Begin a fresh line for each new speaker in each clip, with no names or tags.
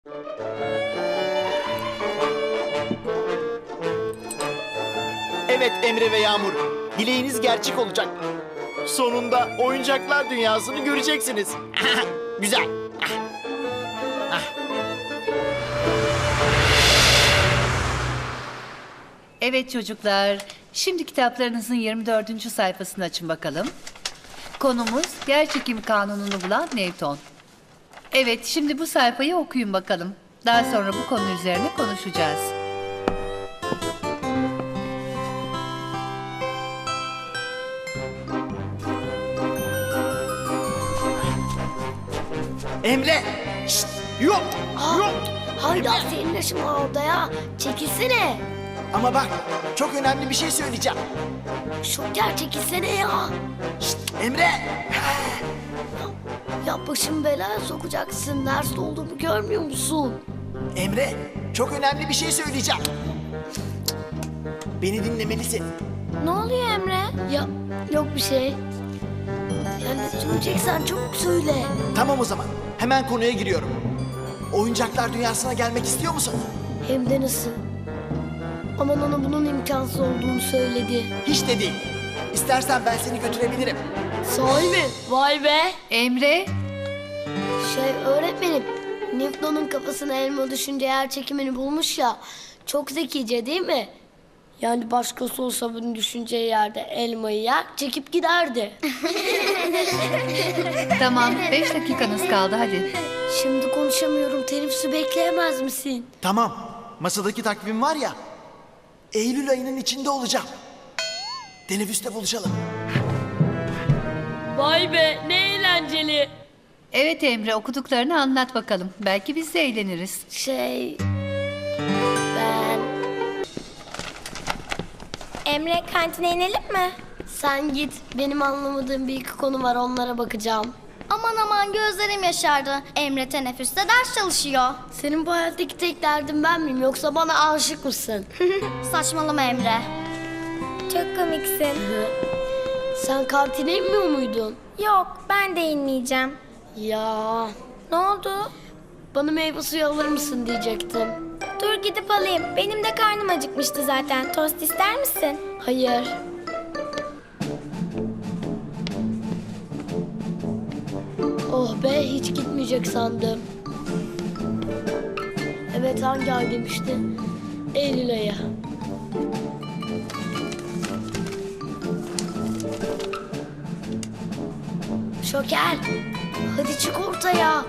Evet Emre ve Yağmur, dileğiniz gerçek olacak. Sonunda oyuncaklar dünyasını göreceksiniz. Güzel.
Evet çocuklar, şimdi kitaplarınızın 24. sayfasını açın bakalım. Konumuz yerçekim kanununu bulan Newton. Evet, şimdi bu sayfayı okuyun bakalım. Daha sonra bu konu üzerine konuşacağız.
Emre! Şşt! Yok! Yok!
Hayda senin yaşın var orada ya. Çekilsene.
Ama bak, çok önemli bir şey söyleyeceğim.
Şoker çekilsene ya.
Şşt! Emre!
Ya başımı belaya sokacaksın. Nerede olduğumu görmüyor musun?
Emre, çok önemli bir şey söyleyeceğim. Beni dinlemelisin.
Ne oluyor Emre? Ya yok bir şey. Ya ne söyleyeceksen çabuk söyle.
Tamam o zaman, hemen konuya giriyorum. Oyuncaklar dünyasına gelmek istiyor musun?
Hem de nasıl? Ama ona bunun imkansız olduğunu söyledi.
Hiç de değil. İstersen ben seni götürebilirim.
Sahi mi? Vay be.
Emre,
Öğretmenim, Newton'un kafasına elma düşünce yer çekimini bulmuş ya. Çok zekice değil mi? Yani başkası olsa bunu düşüneceği yerde elmayı yer, çekip giderdi.
tamam 5 dakikanız kaldı hadi.
Şimdi konuşamıyorum, teneffüsü bekleyemez misin?
Tamam, masadaki takvim var ya. Eylül ayının içinde olacağım. Teneffüste buluşalım.
Vay be, ne eğlenceli.
Evet Emre, okuduklarını anlat bakalım. Belki biz de eğleniriz.
Ben...
Emre, kantine inelim mi?
Sen git, benim anlamadığım bir iki konu var, onlara bakacağım.
Aman aman, gözlerim yaşardı. Emre teneffüste ders çalışıyor.
Senin bu hayattaki tek derdin ben miyim, yoksa bana aşık mısın?
Saçmalama Emre. Çok komiksin.
Sen kantine inmiyor muydun?
Yok, ben de inmeyeceğim.
Ya...
Ne oldu?
Bana meyve suyu alır mısın diyecektim.
Dur gidip alayım. Benim de karnım acıkmıştı zaten. Tost ister misin?
Hayır. Oh be, hiç gitmeyecek sandım. Evet, hangi ay demişti? Eylül ayı. Şoker, hadi çık ortaya.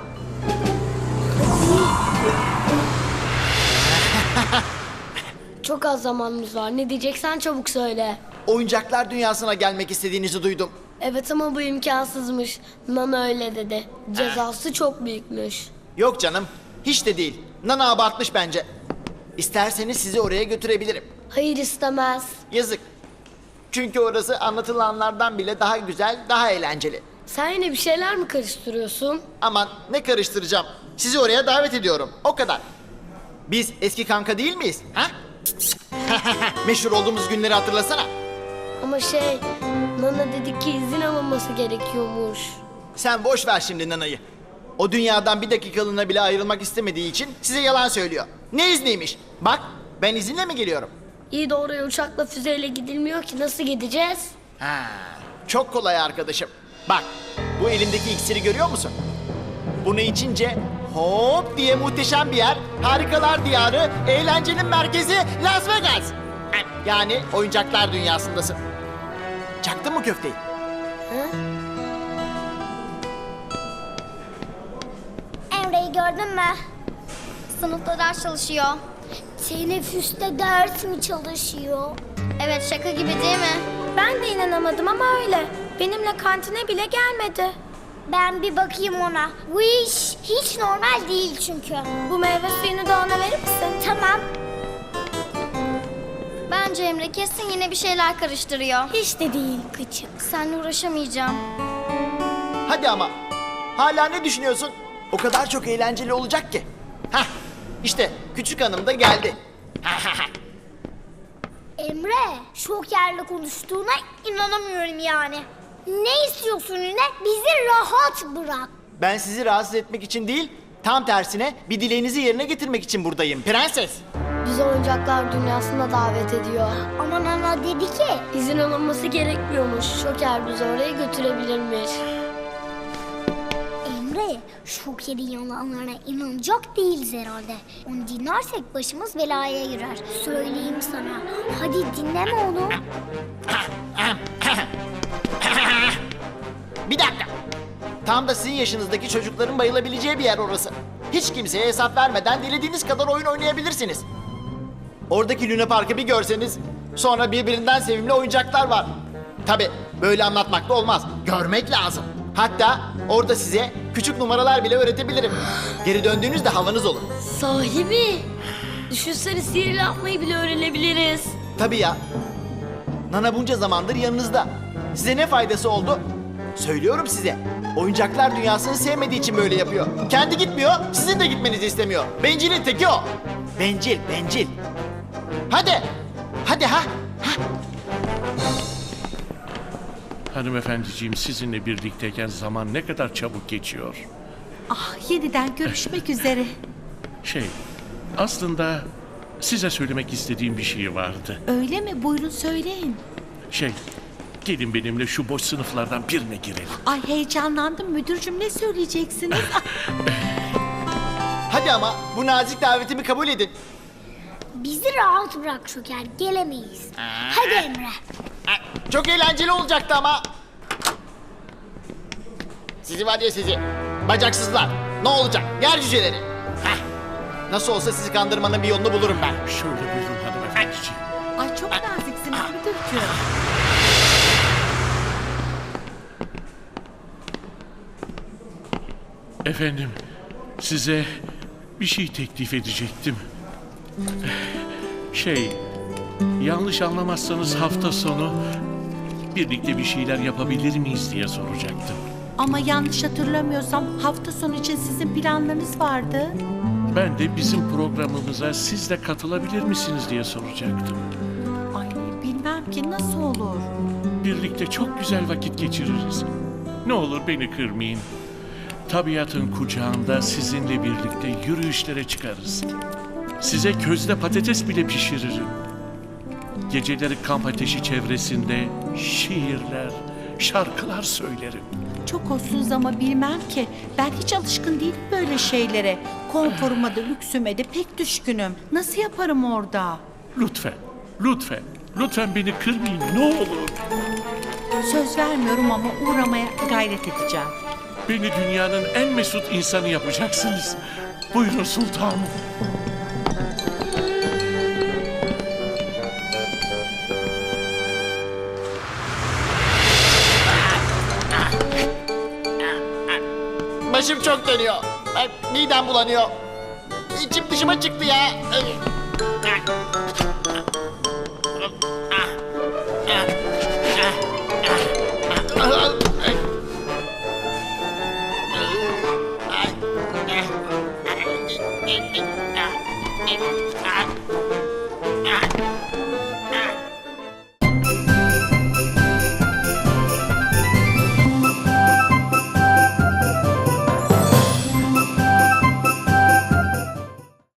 Çok az zamanımız var. Ne diyeceksen çabuk söyle.
Oyuncaklar dünyasına gelmek istediğinizi duydum.
Evet ama bu imkansızmış. Nana öyle dedi. Cezası çok büyükmüş.
Yok canım, hiç de değil. Nana abartmış bence. İsterseniz sizi oraya götürebilirim.
Hayır, istemez.
Yazık. Çünkü orası anlatılanlardan bile daha güzel, daha eğlenceli.
Sen yine bir şeyler mi karıştırıyorsun?
Aman ne karıştıracağım. Sizi oraya davet ediyorum. O kadar. Biz eski kanka değil miyiz? Ha? Meşhur olduğumuz günleri hatırlasana.
Ama Nana dedi ki izin alınması gerekiyormuş.
Sen boş ver şimdi Nana'yı. O dünyadan bir dakikalığına bile ayrılmak istemediği için size yalan söylüyor. Ne izniymiş? Bak ben izinle mi geliyorum?
İyi de oraya uçakla füzeyle gidilmiyor ki, nasıl gideceğiz?
Ha, çok kolay arkadaşım. Bak bu elimdeki iksiri görüyor musun? Bunu içince hop diye muhteşem bir yer, harikalar diyarı, eğlencenin merkezi Las Vegas. Yani oyuncaklar dünyasındasın. Çaktın mı köfteyi?
Emre'yi gördün mü? Sınıfta ders çalışıyor.
Teneffüste ders mi çalışıyor?
Evet, şaka gibi değil mi? Ben de inanamadım ama öyle. Benimle kantine bile gelmedi.
Ben bir bakayım ona. Bu iş hiç normal değil çünkü.
Bu meyve suyunu da ona verir misin?
Tamam.
Bence Emre kesin yine bir şeyler karıştırıyor.
Hiç de değil küçük.
Seninle uğraşamayacağım.
Hadi ama. Hala ne düşünüyorsun? O kadar çok eğlenceli olacak ki. Hah, işte küçük hanım da geldi.
Emre, Şoker'le konuştuğuna inanamıyorum yani. Ne istiyorsun yine? Bizi rahat bırak.
Ben sizi rahatsız etmek için değil, Tam tersine bir dileğinizi yerine getirmek için buradayım prenses.
Bizi oyuncaklar dünyasına davet ediyor.
Ama Nana dedi ki
İzin alınması gerekmiyormuş. Şoker bizi oraya götürebilirmiş.
Emre, Şoker'in yalanlarına inanacak değiliz herhalde. Onu dinlersek başımız belaya girer. Söyleyeyim sana. Hadi dinleme onu.
Bir dakika. Tam da sizin yaşınızdaki çocukların bayılabileceği bir yer orası. Hiç kimseye hesap vermeden dilediğiniz kadar oyun oynayabilirsiniz. Oradaki Luna Park'ı bir görseniz, sonra birbirinden sevimli oyuncaklar var. Tabi böyle anlatmakla olmaz. Görmek lazım. Hatta orada size küçük numaralar bile öğretebilirim. Geri döndüğünüzde havanız olur.
Sahi mi? Düşünsene sihir yapmayı bile öğrenebiliriz.
Tabii ya. Nana bunca zamandır yanınızda. Size ne faydası oldu? Söylüyorum size. Oyuncaklar dünyasını sevmediği için böyle yapıyor. Kendi gitmiyor, sizin de gitmenizi istemiyor. Bencilin teki o. Bencil, bencil. Hadi. Hadi ha.
Hanımefendiciğim, sizinle birlikteyken zaman ne kadar çabuk geçiyor.
Ah, yeniden görüşmek üzere.
Aslında size söylemek istediğim bir şey vardı.
Öyle mi? Buyurun söyleyin.
Gelin benimle şu boş sınıflardan birine girelim.
Ay heyecanlandım müdürcüm, ne söyleyeceksiniz?
Hadi ama bu nazik davetimi kabul edin.
Bizi rahat bırak Şoker, gelemeyiz. Hadi Emre.
Çok eğlenceli olacaktı ama. Sizi var ya sizi. Bacaksızlar. Ne olacak? Yer cüceleri. Heh. Nasıl olsa sizi kandırmanın bir yolunu bulurum ben.
Şöyle buyurun hanımefendiciğim.
Ay çok naziksiniz müdürcüm.
Efendim, size bir şey teklif edecektim. Yanlış anlamazsanız hafta sonu birlikte bir şeyler yapabilir miyiz diye soracaktım.
Ama yanlış hatırlamıyorsam hafta sonu için sizin planlarınız vardı.
Ben de bizim programımıza siz de katılabilir misiniz diye soracaktım.
Ay bilmem ki nasıl olur.
Birlikte çok güzel vakit geçiririz. Ne olur beni kırmayın. Tabiatın kucağında sizinle birlikte yürüyüşlere çıkarız. Size közde patates bile pişiririm. Geceleri kamp ateşi çevresinde şiirler, şarkılar söylerim.
Çok hoşsunuz ama bilmem ki. Ben hiç alışkın değilim böyle şeylere. Konforuma da lüksüme de pek düşkünüm. Nasıl yaparım orada?
Lütfen beni kırmayın ne olur.
Söz vermiyorum ama uğramaya gayret edeceğim.
Beni dünyanın en mesut insanı yapacaksınız. Buyurun sultanım.
Başım çok dönüyor. Midem bulanıyor. İçim dışıma çıktı ya.